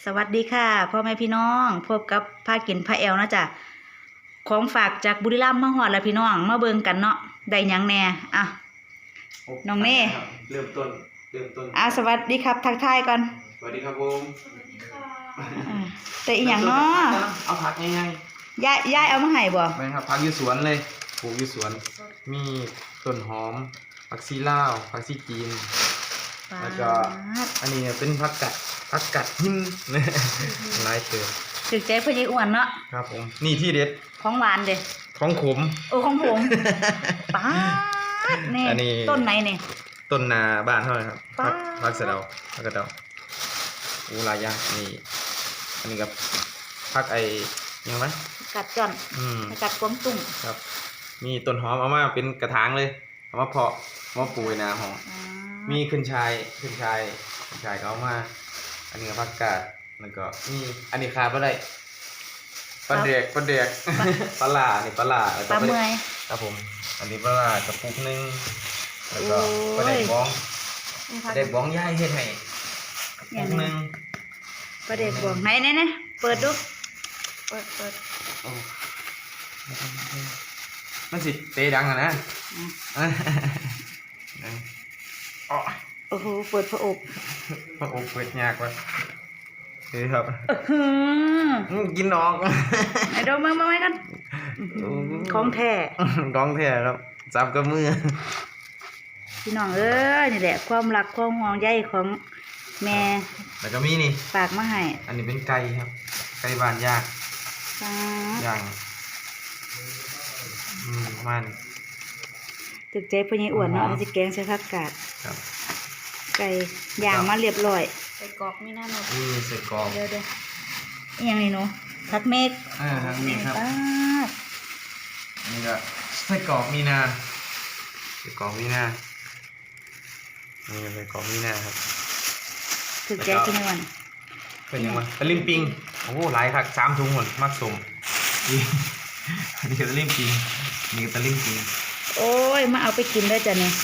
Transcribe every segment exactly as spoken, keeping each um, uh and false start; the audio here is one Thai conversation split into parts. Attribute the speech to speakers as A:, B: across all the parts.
A: สวัสดีค่ะพ่อแม่พี่น้องพบกับพากินพาแอลนะจ๊ะของฝากจากบุรีรัมย์มาฮอดแล้วพี่น้องมาเบิ่งกันเนาะได้หยังแน่อ่ะน้องเน่
B: เริ่มต้นเริ่มต้น
A: อ่ะสวัสดีครับทักทายก่อน
B: สวัสดีครับผม
A: สวัสดีค่ะแต่อีหยังเนาะ
B: เอาผักง่าย
A: ๆยายยายเอามาให้บ่
B: แม่ครับผักอยู่สวนเลยปลูกอยู่สวนมีต้นหอมผักชีลาวผักชีจีนแล้วก็อันนี้เป็นผักกัดผักกัดหินหลายเติบ
A: ถึกใจพ่อใหญ่อ้วนเนาะ
B: ครับผมนี่ที่เด็ด
A: ของหวานเด้
B: ของขม
A: โอ้ของผมป๊าดนี่ต้นไหนนี่
B: ต้นนาบ้านเท่าไหร่ครับผักผักสะเดาผักกระเดาอูหลายอย่างนี่อันนี้กับผักไอยังไง
A: กัดจ่อน
B: อืม
A: กัดกวางตุ้ง
B: ครับมีต้นหอมเอามาเป็นกระถางเลยเอามาเพาะมาปลูกในนาหอมมีขึ้นชายขึ้นชายขึ้นชายเขามาอันนี้ผักกาดแล้วก็นี่อันนี้ขาดไม่ได้ปลาเด็กปลาเด็กปลาหลานี่ปลาหลา
A: ปลาเมื่อย
B: ครับผมอันนี้ปลาหลากระปุกนึงแล้วก็ปลาเด็กบ้องเด็กบ้องย่ายเฮ็ดให้กระปุกนึง
A: ปลาเด็กบ้องไหนไหนไหนเปิดดูเปิดเปิด
B: มันสิเตะดังอ่ะนะ
A: โอ้โหเปิดพระอบ
B: พระอบเปิดยากว่ะนี่ครับกินออก
A: ไอ้ดอกมือมาไว้กันของแท้
B: ของแท้ครับจับกับมือ
A: พี่น้องเอ้ยนี่แหละความรักความห่วงใยของแม่
B: แล้วก็มีนี่
A: ฝากมาให้
B: อันนี้เป็นไก่ครับไก่บ้านยากย่างอืมประมาณ
A: ตึกใจพ่อใหญ่อ้วนเนาะสิแกงใส่ผักกาดไก่ย่างมาเรียบร้อยใส่กรอกมีหน้าหนด
B: อืมใส่กรอก
A: เดี๋ยวเดี๋ยวอย่างนี้เนาะผักเมก
B: อ่าผักเมกครับนี่ก็ใส่กรอกมีนาใส่กรอกมีนานี่ใส่กรอกมีนาครับ
A: ถึกใจพ่อใหญ่อ้วน
B: เป็นยังไงตะลิมปิงโอ้โหหลายครับสามถุงหมดมักสมนี่นี่ก็ตะลิมปิงนี่ก็ตะลิมปิง
A: โอ้ยมาเอาไปกินได้จ้ะเนี่ย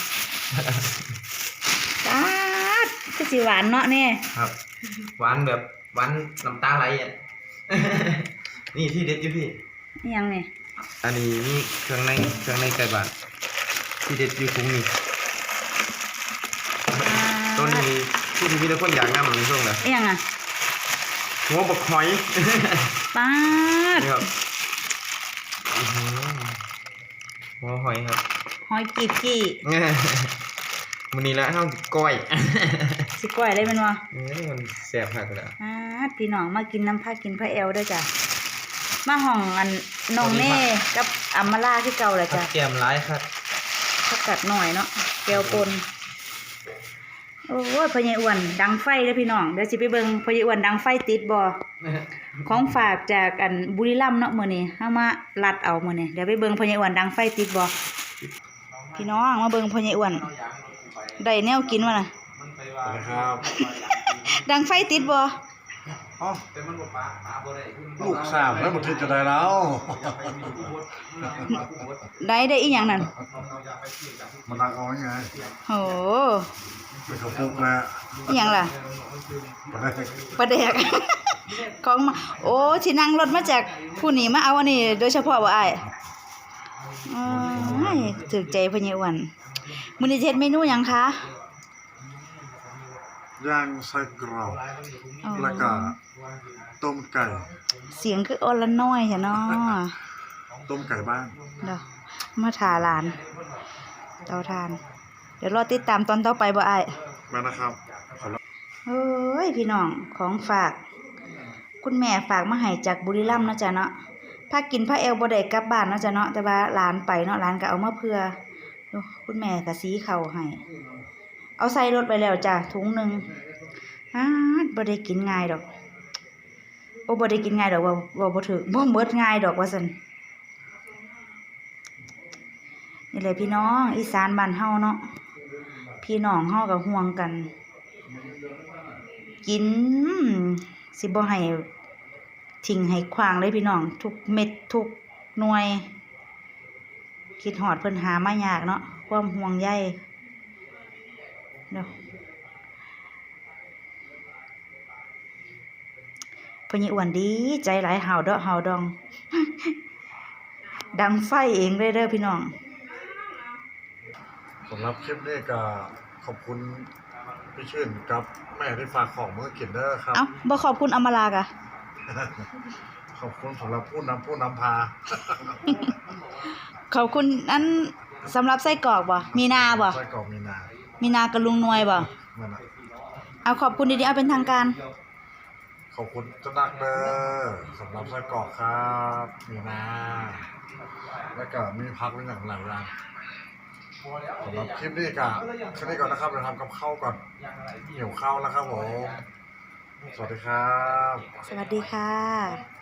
A: ตาดก็สิหวานเนาะเนี่ย
B: ครับหวานแบบหวานน้ำตาไหลอ่ะนี่ที่เด็ดอยู่พี่
A: ยังไง
B: อันนี้นี่เครื่องในเครื่องในไก่บ้านที่เด็ดอยู่ตรงนี้ต้นนี้ที่ที่พี่ทุกคนอยากนำมันช่วงไหน
A: ยังอ่ะ
B: หัวบกหอย
A: ปาด
B: หัวหอยครับ
A: หอยกีกี้
B: มันนี่ละเท่าก้อย
A: สิก้อยได้เป็นวะ
B: นี่มันแสบหักเลย
A: อ่าพี่น้องมากินน้ำผ้ากินผ้าแอลได้จ้ะมาห้องอันน้องเน่กับอัมมาล่าที่เก่าแหละจ้ะ
B: แก้มร้ายครับ
A: ผักกัดหน่อยเนาะแก้วปนโอ้ยพ่อใหญ่อ้วนดังไฟเลยพี่น้องเดี๋ยวสิไปเบิ่งพ่อใหญ่อ้วนดังไฟติดบ่ของฝากจากอันบุรีรัมย์เนาะมื้อนี้เฮามาลัดเอามื้อนี้เดี๋ยวไปเบิ่งพ่อใหญ่อ้วนดังไฟติดบ่พี่น้องมาเบิ่งพ่อใหญ่อ้วนได้แนวกินวะน่ะ
B: ครับ
A: ดังไฟติดบ่
C: อ๋อลูกสาวแล้วมันจะได้แล้ว
A: ได้ได้อีหยังนั่น
C: มันดังเอาไง
A: โห
C: เป็นกระปุกนะ
A: อีหยังล่ะปลาแดกของมาโอ้สินั่งรถมาจากผู้นี้มาเอาอันนี้โดยเฉพาะบ่อ้ายอ๋อถูกใจพ่อใหญ่อ้วนมื้อนี้เฮ็ดเมนูหยังคะ
C: ย่างไส้กรอกแล้วก็ต้มไก่
A: เสียงคืออ่อนละน้อยจ้ะเนาะ
C: ต้มไก่บ้าน
A: เด้อมาถาหลานเตาถ่านเดี๋ยวรอติดตามตอนต่อไปบ่อ้าย
C: มานะครับ
A: เฮ้ยพี่น้องของฝากคุณแม่ฝากมาให้จากบุรีรัมย์เนาะจ้ะเนาะพากินพาแอลบ่ได้กลับบ้านเนาะจ้ะเนาะแต่ว่าหลานไปเนาะหลานก็เอามาเพื่อคุณแม่ก็สีข้าวให้เอาใส่รถไปแล้วจ้ะถุงนึงอ้าบ่ได้กินง่ายดอกโอ้บ่ได้กินง่ายดอกว่าว่าบ่ถึกบ่หมดง่ายดอกว่าซั่นนี่แหละพี่น้องอีสานบ้านเฮาเนาะพี่น้องเฮาก็ห่วงกันกินสิบ่ให้ทิ้งให้ขว้างเลยพี่น้องทุกเม็ดทุกหน่วยคิดฮอดเพิ่นหามายากเนาะความห่วงใยเนาะพ่อใหญ่อ้วนดีใจหลายห่าวเดาะห่าวดอง ดังไฟเองเลยเด้อพี่น้อง
C: สำหรับคลิปนี้ก็ขอบคุณพี่ชื่นกับแม่ที่ฝากของมากินเด้อครับ
A: เอ้าบ่ขอบคุณอำมาลากะ
C: ขอบคุณสำหรับผู้นำผู้นำพา
A: ขอบคุณอันสำหรับไส้กรอกบ่มีนาบ่
C: ไส้กรอกมีนา
A: มีนากับลุงนวยบ่
C: นั่นน่ะ
A: เอาขอบคุณดีๆเอาเป็นทางการ
C: ขอบคุณเจ้านักเด้อสำหรับไส้กรอกครับมีนาแล้วก็มีพักเป็นอย่างหลายอย่างสำหรับคลิปนี้ก็แค่นี้ก่อนนะครับเดี๋ยวทำกับข้าวก่อนหิวข้าวแล้วครับผมสวัสดีครับ
A: สวัสดีค่ะ